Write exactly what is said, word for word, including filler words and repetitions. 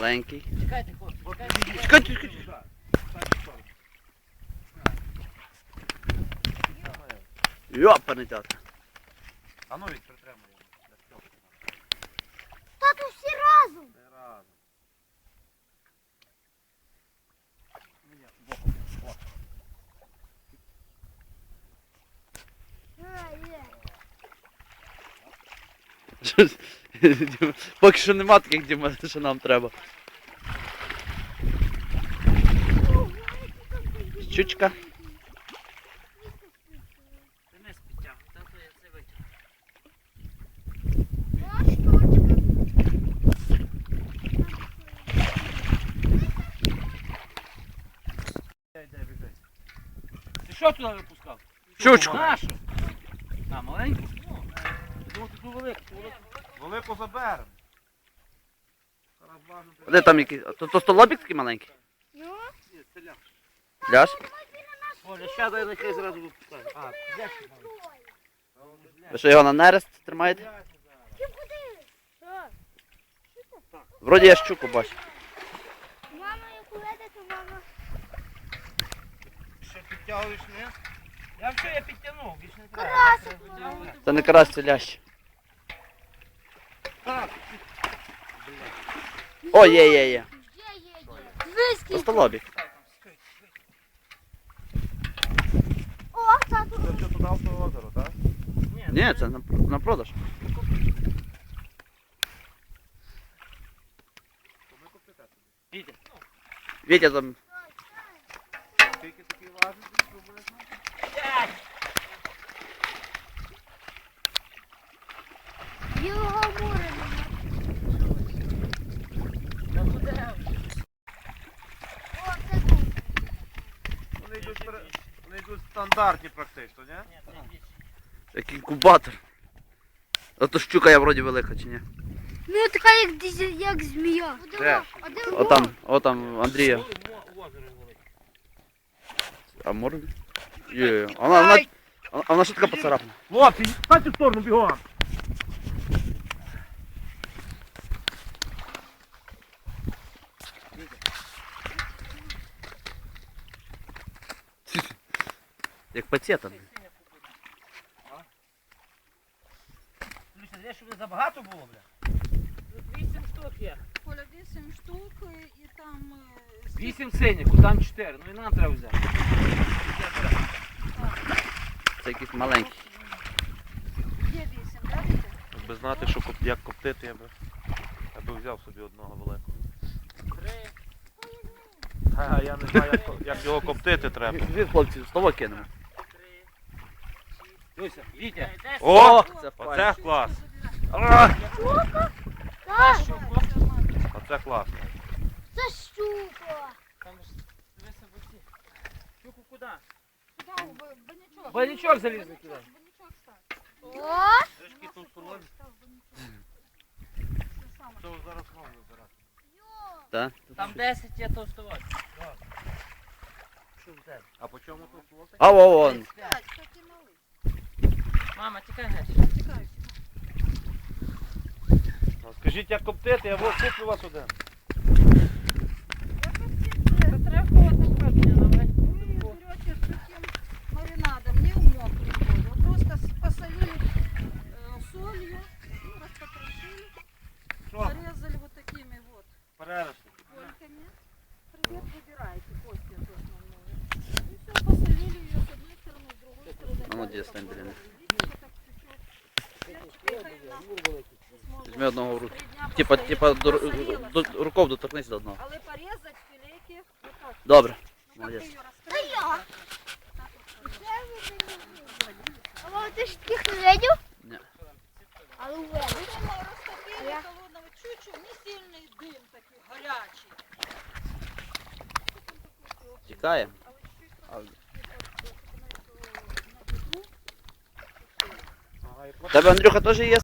Маленький. Чекайте, хлопці, чекайте. Чекайте, чекайте. Йопаний тата. А ну від притримує. Тату, всі разом. Не разом. Поки що нема таких, Діма, що нам треба. Щучка. Ти не спітяв, тато я це витягну. Ти що туди випускав? Щучку. Нашу? А, маленьку? Я думав, ти ту велику. ту велику. Велику заберемо. Зараз важно. Де там який? То, то столобік такий маленький? Ну, Ляж? Оля, ще дай нехай зразу випускаю. А, взяти маленьку. Ви що його на нерест тримаєте? ти куди? Що? Вроді я щуку бачу. Мама, яку веде, то мама. Що підтягуєш, не? Я все, я підтягнув, більше не треба. Карасик, Треба мама. витягувати. Це не карась, це лящ. О, є, є, є. Є, є, є. То столобік. О, тату. Це що туди в то озеро, так? Ні, це на, на продаж. Діти. Вітя там. Скільки такий важить, приблизно? Білого моря нема. Та буде. О, це тут. Вони йдуть, пере- вони йдуть стандартні практично, ні? Ні, це більше. Як інкубатор. А то щука я вроді велика чи ні? Ну, така як, дизель- як змія. Де? А де О там, о там Андрія. Мо- мо- озеро велике. А мор? Є. А вона, вона, а вона що така поцарапана? Хлопці, стань в сторону бігом! Як пацета. Люся, знаєш, щоб не забагато було, бля? Тут вісім штук є. Коля, вісім штук і там... е, скільки- Вісім синіх, там чотири. Ну і нам треба взяти. Це якийсь маленький. Є вісім, так, діти? Якби знати, що коп- як коптити, я би, я би взяв собі одного великого. Три. А я не знаю, як, ко- як його коптити треба. Дві хлопці, слово кинемо. Три. Люся, Вітя. О! Це Оце клас! Так, Оце класно. це щука. Там ж дивися в оці. Щуку куди? Куди? У ба- банячок. Банячок залізли туди. Банячок став. О, Трішки тут соломі. Став банячок. Це саме. Що зараз знову забирати? Так? Там десять є товстувати. Що в тебе? А по чому тут хлопці? А вон. тридцять п'ять. П'ять, такий малий. Мама, тікай геть. Тікай. Скажіть, як коптити, я вот куплю вас один. Це треба холодно квартиру. Вы берете с таким маринадом, не в мокрую воду, просто с- посолили э, солью, ну, распотрошили, Що? порезали вот такими вот Перерости. кольками. Привет, выбирайте кости эту основную. И все, посолили ее с одной стороны, с другой стороны. А ну, где стань, блин. Видите, как течет. Перчик и хрена. Візьми одного в руки. Три дня Типа, посолили, типа до, посолила до, сама. руков доторкнись до одного. Але порезать филейки вот так. Добре. Ну, как Молодец. ты ее Та я. расстроишь? А мама, ти ж таких не видів? Ні. Але видів. Думала, розтопили Я- холодного чучу, не сильний дим такий гарячий. Тікає. Але чуть А, на бедру. в тебе, Андрюха, теж є